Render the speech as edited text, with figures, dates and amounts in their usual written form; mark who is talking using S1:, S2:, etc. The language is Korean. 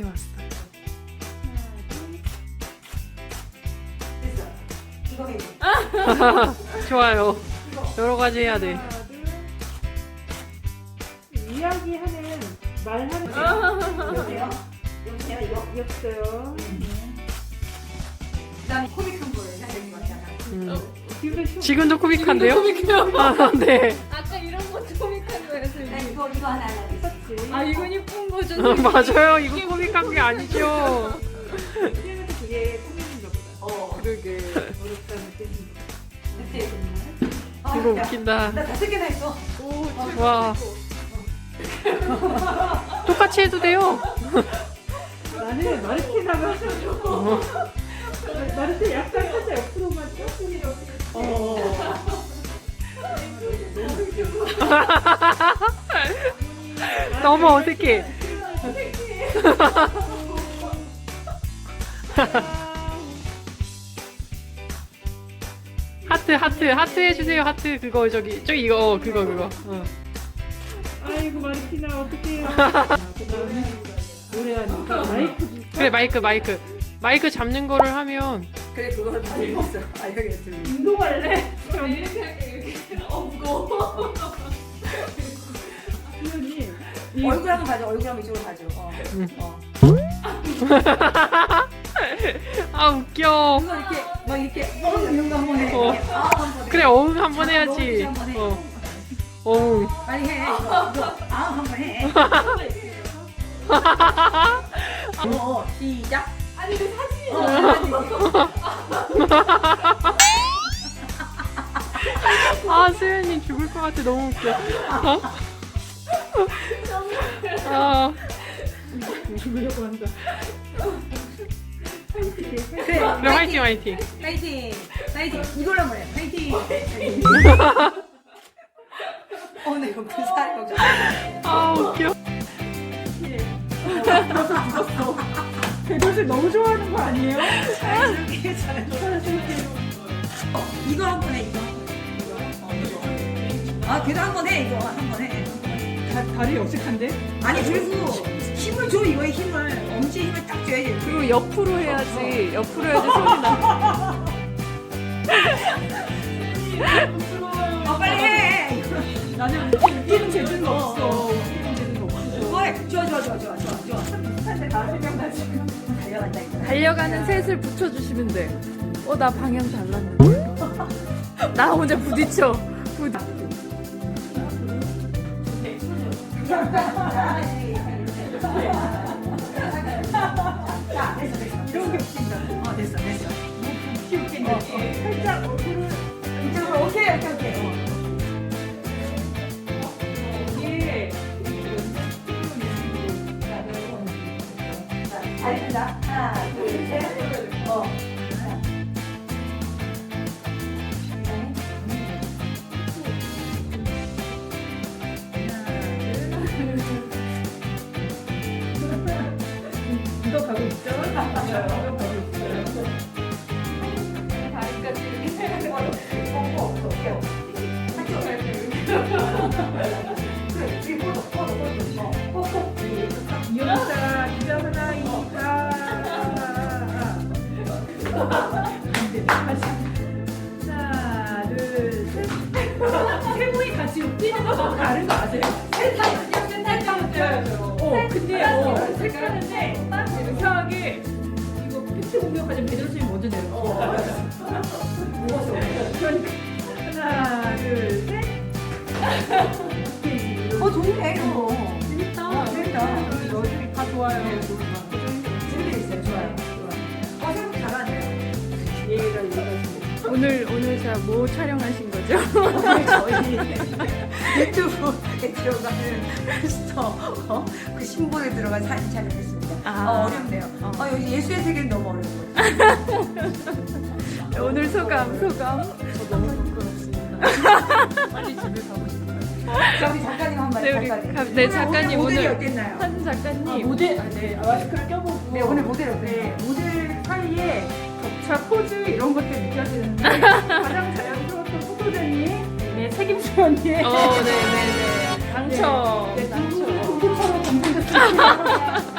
S1: 가까이 왔어.
S2: 됐어. 이거 해.
S1: 좋아요. 여러 가지 해야 돼.
S3: 하나, 둘. 이야기하는 말하는
S2: 여보세요? 여보세요, 이거?
S3: 없어요.
S2: 그다음에 코믹한 걸 해야 되는 거잖아.
S1: 지금도 코믹한데요? 아, 네.
S4: 아까 이런 거 코믹한 거였어.
S2: 나 이거 하나 하려고 했어.
S4: 아 이건 예쁜 거죠.
S1: 맞아요. 이거 코믹한 게 아니죠.
S3: 그래서 그게 코믹인가 보다.
S1: 그러게.
S3: 어렵다는 뜻인가
S2: 아,
S1: 이거
S2: 야,
S1: 웃긴다.
S2: 나 5개나 했어.
S1: 와. 똑같이 해도 돼요.
S3: 나는 마르티나가 마르티 약간 살짝 옆으로만 조금 이렇게.
S1: 너무 어색해. 하트 해주세요. 하트 그거 저기 이거 그거.
S3: 아이고 마르티나 어떡해요. 그다음에 노래하니까 마이크 줄까?
S1: 그래 마이크 잡는 거를 하면
S2: 그래, 그거를 다 읽었어. 아, 여기 들리.
S3: 운동할래?
S4: 이렇게 할게 이렇게. 무거워.
S3: 수현이
S2: 얼굴 한번 가져. 얼굴 한번 이쪽으로 가져.
S1: 아 웃겨.
S2: 이거 이렇게 막 이렇게 이런 거 한번 해.
S1: 어.
S2: 이렇게. 한번 해.
S1: 그래 어흥 한번 해야지.
S2: 한번 해.
S1: 어흥.
S2: 빨리 해. 이거 한번 해. 시작.
S4: 아니 그 사진이
S1: 아 수현이 죽을 것 같아. 너무 웃겨. 아
S3: 죽으려고 한다.
S2: 그래.
S1: 그래 화이팅.
S2: 파이팅. 파이팅. 이걸로 한번 해. 파이팅. 나 이거 그 살이 걱정.
S1: 아 웃겨.
S3: 배도를 너무 좋아하는 거 아니에요?
S2: 이렇게 잘해. 이거 한번 해. 이거. 아, 걔도 한번 해. 이거 한번 해.
S3: 다리 어색한데?
S2: 아니 그리고 힘을 줘. 이거에 힘을 엄지에 힘을 딱 줘야지.
S4: 그리고 옆으로 해야지. 옆으로 해야지 소리 나.
S2: 빨리 해.
S3: 나는 웃기는 재주가 없어. 웃기는 재주가 없어.
S2: 왜? 좋아. 한대 다 생각나 지금. 달려간다 이거.
S4: 달려가는 셋을 붙여주시면 돼. 나 방향 달랐는데. 나 혼자 부딪혀.
S2: 자, 됐어.
S3: 이런 게 웃긴다.
S2: 됐어.
S3: 웃긴다. 살짝 얼굴을
S2: 이쪽으로 오케이.
S3: 이게
S2: 잘 된다. 하나, 둘, 셋.
S3: 이거 가고 있죠? 이거 가고 있어요.
S4: 다리까지 이렇게.
S3: 이용자 기자 하나이니까 하나 둘셋 세 분이 같이 웃기는 거 너무 다른 거 아세요? 근데 색하는데 이상하게 이거 팩트 공격하자 배도선생님 먼저 내려 그러니까 하나 둘셋
S2: 좋네 이거.
S3: 재밌다
S2: 재밌다.
S3: 다 좋아요
S2: 재밌어요. 좋아요. 생각 잘하네요.
S4: 오늘 자 뭐 촬영하신 거죠?
S2: 저희 유튜브에 들어가는 스토어 그 신보에 들어간 사진 촬영했습니다. 어렵네요. 여기 예술의 세계는 너무 어려워요.
S4: 오늘 소감.
S3: 너무 부끄럽습니다 빨리 집에 가고 싶어요
S2: 자, 우리 작가님 한 번.
S4: 네, 우리 네, 작가님
S2: 모델이
S4: 오늘
S2: 어땠나요?
S4: 한 작가님.
S3: 마스크를 껴보고
S2: 네, 오늘 모델 어땠나요?
S3: 네, 모델 사이에 격차 포즈 이런 것들 느껴지는데 가장 자연스러웠던 포토제니 네, 책임져 언니
S4: 네네네. 당첨.
S3: 네, 당첨. 공부처럼 검증됐습니다.